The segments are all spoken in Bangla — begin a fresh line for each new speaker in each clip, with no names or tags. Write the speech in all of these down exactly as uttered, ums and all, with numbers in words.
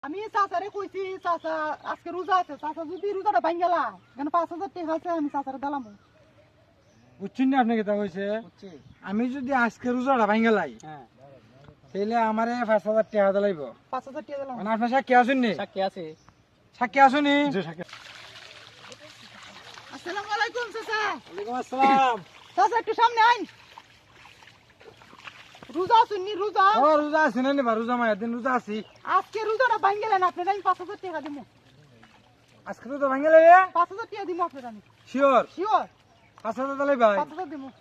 আমি চাচারে কইছি চাচা আজকে রোজা আছে, চাচা যদি রোজাটা ভাঙ গেলা কেন পাঁচ হাজার টাকা আছে আমি চাচারে দিলাম।
বুঝছেন না আপনি কেটা কইছে? আমি যদি আজকে রোজাটা ভাঙ গেলাই তাহলে আমারে পাঁচ হাজার টাকা দিলাইব।
পাঁচ হাজার টাকা দিলাম।
মানে আপনার সাক্ষী আছেন নি?
সাক্ষী আছে।
সাক্ষী আছেন নি?
আসসালামু আলাইকুম চাচা।
ওয়ালাইকুম আসসালাম।
চাচা একটু সামনে আইন। রোজা আছেন নি? রোজা
ও রোজা আছেন নি? বা রোজা মায়ের দিন রোজা আছি।
আজকে রোজাটা ভাঙ গেলেন আপনার আমি পাঁচ হাজার টাকা দিব।
আজকে রোজা ভাঙ গেলে
পাঁচ হাজার টাকা দিব আপনার আমি।
শিওর
শিওর
পাঁচ হাজার দিলাই ভাই?
পাঁচ হাজার দিব।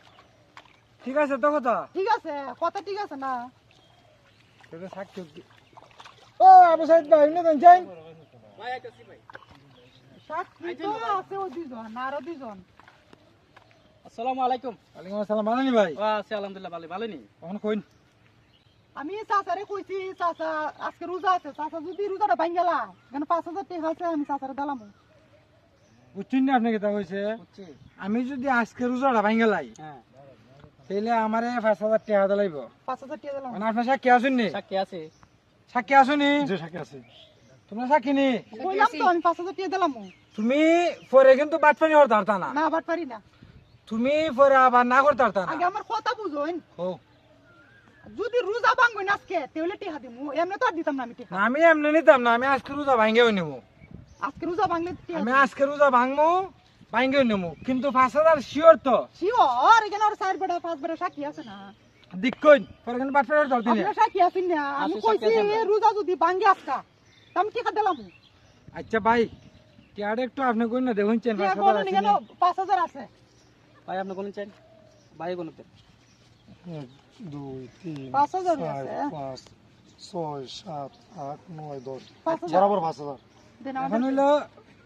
ঠিক আছে তো কথা?
ঠিক আছে কথা ঠিক আছে না?
সেটা সাক্ষী ও আবু সাইদ ভাই এমনি দেন চাই
ভাই আইতাছি ভাই।
সাক্ষী তো আছে ওই দুজন না আরো দুজন।
আসসালামু আলাইকুম।
ওয়ালাইকুম আসসালাম। মানানি ভাই
ওয়া আছে আলহামদুলিল্লাহ ভালো ভালো নি।
কখন কইন?
আমি চাচারে কইছি চাচা আজকে রোজা আছে, চাচা যদি রোজাটা ভাঙ গেলা কেন পাঁচ হাজার টাকা আছে আমি চাচারে দিলাম।
বুঝছেন না আপনি কেটা কইছে?
বুঝছি।
আমি যদি আজকে রোজাটা ভাঙ গেলাই
হ্যাঁ
তাহলে আমারে পাঁচ হাজার টাকা দিলাইব।
পাঁচ হাজার টাকা দিলাম।
মানে আপনার সাক্ষী আছেন নি?
সাক্ষী আছে।
সাক্ষী আছো নি? জি সাক্ষী আছে। তোমরা সাক্ষী নি?
কইলাম তো আমি পাঁচ হাজার টাকা দিলাম।
তুমি পরে কিন্তু বাটপানি করতে পারতা না।
না বাট পারি না।
তুমি পরে আবার না করতে পারতা
আগে
না।
আমার কথা বুঝুন,
ও
যদি রোজা ভাঙবেন আজকে তাহলে টাকা দিব, এমনি তো আর দিতাম না আমি টাকা।
না, আমি এমনি নিতাম না। আমি আজকে রোজা ভাঙ্গেও নেবো।
আজকে রোজা ভাঙলে
আমি আজকে রোজা ভাঙবো ভাঙ্গেও নেবো, কিন্তু পাঁচ হাজার শিওর তো?
শিওর এখানে আর চার বেড়া পাঁচ বেড়া সাক্ষী আছে না?
দিক কইন পরে কিন্তু বাটপানি করতে পারতি না।
আপনার সাক্ষী আছেন না? আমি
আছে,
কইছি
সাক্ষী আছে।
রোজা যদি ভাঙে আজকা তা আমি টাকা দিলাম।
আচ্ছা ভাই টিয়ার একটু আপনি কইন না দেখুন চেন পাঁচ
টাকা
হাজার
বলেন
আছে
কেন?
নি?
পাঁচ হাজার আছে।
ভাই আপনি কোন চাই? ভাই কোন দেন?
এক দুই তিন
পাঁচ হাজার
চার
আছে।
পাঁচ ছয় সাত আট নয় দশ
পাঁচ হাজার।
বরাবর পাঁচ হাজার।
দেন
এখন
আমাদের।
হইলো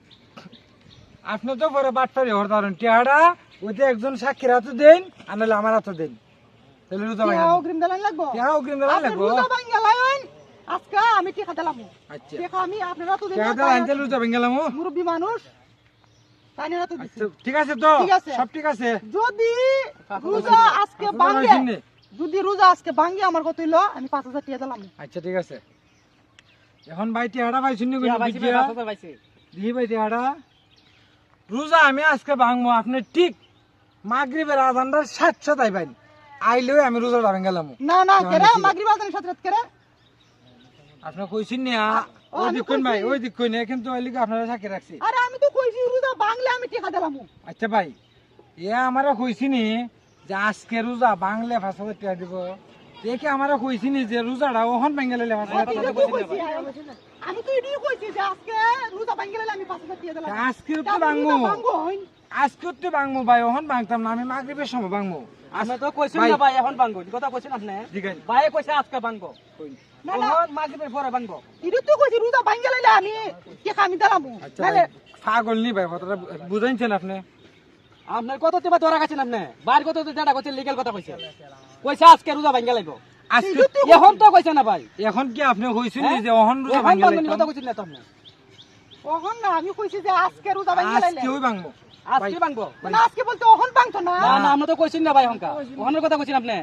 আপনি তো পরে বাটপারি হতে পারেন। টিয়াটা ওইতে একজন সাক্ষীর হাতে দেন আর নাহলে আমার হাতে দেন, তাহলে রোজা
টাকা
ভাঙা
অগ্রিম দিলেন লাগবো।
টিয়া অগ্রিম দেওয়া
আপনি
লাগবো।
রোজা ভাঙে লাইন আজকা আমি টাকা দিলাম।
আচ্ছা
টাকা আমি আপনারা তো
টিয়া দেওয়া আনতে রোজা ভাঙ গেলাম।
মুরব্বী মানুষ তাই না তো দিছি।
আচ্ছা ঠিক আছে তো?
ঠিক আছে।
সব ঠিক আছে।
যদি রোজা আজকে
পাঁচ হাজার
ভাঙে,
হয়েছে নি?
যদি রোজা আজকে ভাঙে আমার কত হইলো আমি পাঁচ হাজার টাকা দিলাম।
আচ্ছা ঠিক আছে। এখন ভাই টিয়াটা ভাই শুনি
ইয়া ভাইছি ভাই পাঁচ হাজার পাইছি।
দিহি ভাই টিয়াটা রোজা আমি আজকে ভাঙবো। আপনি ঠিক মাগরিবের আজানটা সাতশো তাই ভাই আইলেও আমি রোজাটা ভেঙে গেলাম।
না না
কেমন
কেরে
হয়েছিল?
মাগরিব আজানের সাথে রাত কেরে
আপনি কইছেন না
ও,
ওই
আমি
দিক কইন ভাই,
কইছি।
ওই দিক কইন, কিন্তু ওই লিগে আপনারা সাক্ষী রাখছি।
আরে আমি তো কইছি রোজা ভাঙলে আমি টাকা দিলাম।
আচ্ছা ভাই এ আমারও কইছিনি যে আজকে রোজা ভাঙলে পাঁচ হাজার টাকা দিব। দেখে আমারও কইছিনি যে রোজাটা ওখান ভেঙে লেলে পাঁচ হাজার টাকা দিব।
আমি তো এটাই কইছি যে আজকে রোজা ভাঙলে আমি পাঁচ হাজার টাকা দিলাম।
আজকে তো ভাঙবো, আজকে তো ভাঙবো ভাই, ওখান ভাঙতাম না। আমি মাগরিবের সময় ভাঙবো।
আপনি তো কইছেন
ভাই।
না ভাই এখন ভাঙবো। এই কথা কইছেন আপনি?
ঠিক আছে।
ভাই কইছে আজকে ভাঙবো।
না না
এখন মাগরিবের পরে ভাঙবো।
এটা তো কইছি রোজা ভাঙলে আমি টাকা আমি দিলাম।
আচ্ছা ভাই, পাগল নি ভাই, কথাটা বুঝাইছেন আপনি?
আপনার কত তোমার ধরা গেছেন আপনি? বাইর কত তো যেটা কইছে লিগ্যাল কথা কইছে। কইছে আজকে রোজা ভাঙা লাগবো।
আজকে
এখন তো কইছে না ভাই।
এখন কি আপনি কইছেন
হ্যাঁ?
যে ওখান রোজা
এখন
ভাঙে
ভাঙবেন
লাইতাম?
কথা কইছেন না তো আপনি।
ওহন না আমি কইছি যে আজকে রোজা ভাঙলে
আজকে ওই ভাঙবো।
আজকে ভাঙবো।
না আজকে বলতে ওহন ভাঙতো না।
না না আমরা তো কইছেন না ভাই হংকা। ওখানের কথা কইছেন আপনি।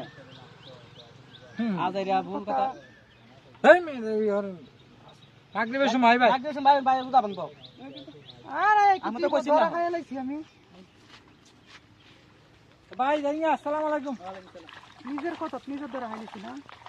হুম।
আজ এরিয়া ভুল কথা।
এই মেয়ে এই আর মাগরিবের সময় ভাই।
একদিন ভাই ভাই রোজা ভাঙবো।
আরে
আমি
আমি
তো
তো
কইছি
কইছি
না।
না খাইয়া লাইছি আমি।
ভাই জানি আসসালামু আলাইকুম।
নিজের কথা নিজের দ্বারা খাইছি না।